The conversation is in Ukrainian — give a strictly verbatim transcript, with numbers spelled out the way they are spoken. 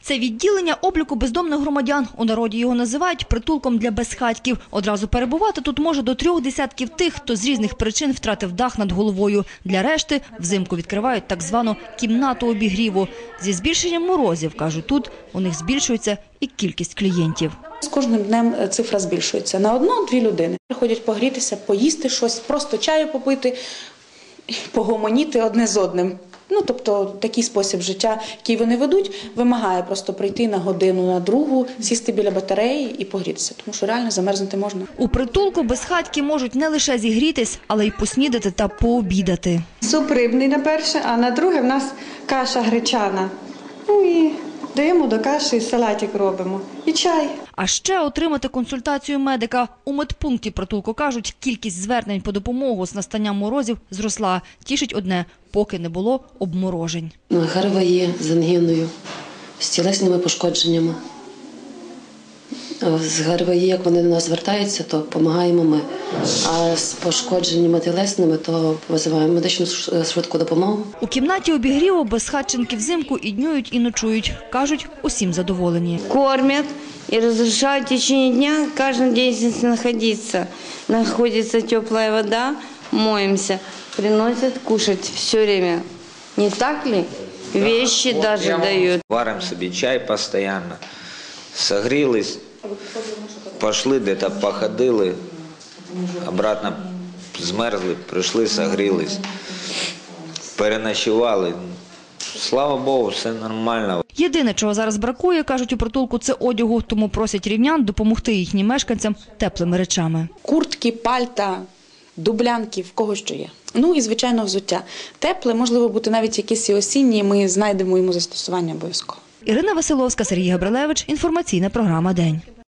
Це відділення обліку бездомних громадян. У народі його називають притулком для безхатьків. Одразу перебувати тут може до трьох десятків тих, хто з різних причин втратив дах над головою. Для решти взимку відкривають так звану кімнату обігріву. Зі збільшенням морозів, кажуть, тут у них збільшується і кількість клієнтів. З кожним днем цифра збільшується. На одну-дві людини приходять погрітися, поїсти щось, просто чаю попити, погомоніти одне з одним. Ну, тобто такий спосіб життя, який вони ведуть, вимагає просто прийти на годину, на другу, сісти біля батареї і погрітися, тому що реально замерзнути можна. У притулку безхатьки можуть не лише зігрітись, але й поснідати та пообідати. Суп рибний на перше, а на друге в нас каша гречана. Ну і даємо до каші, салатик робимо. І чай. А ще отримати консультацію медика. У медпункті притулку кажуть, кількість звернень по допомогу з настанням морозів зросла. Тішить одне – поки не було обморожень. ГРВІ з ангіною, з тілесними пошкодженнями. З ГРВІ, як вони до нас звертаються, то допомагаємо ми. А з пошкодженнями тілесними, то визиваємо медичну швидку допомогу. У кімнаті обігріву безхатченки взимку і днюють, і ночують. Кажуть, усім задоволені. Кормят и разрешают в течение дня каждый день здесь находиться. Находится теплая вода, моемся, приносят кушать все время. Не так ли? Вещи да. даже вот дают. Варим собі чай постійно, согрілись, пішли, десь походили, обратно змерзли, прийшли, согрілись, переночували. Слава Богу, все нормально. Єдине, чого зараз бракує, кажуть у притулку, це одягу, тому просять рівнян допомогти їхнім мешканцям теплими речами. Куртки, пальта, дублянки, в кого що є. Ну і, звичайно, взуття. Тепле, можливо, бути навіть якісь і осінні, ми знайдемо йому застосування обов'язково. Ірина Василовська, Сергій Габрилевич. Інформаційна програма «День».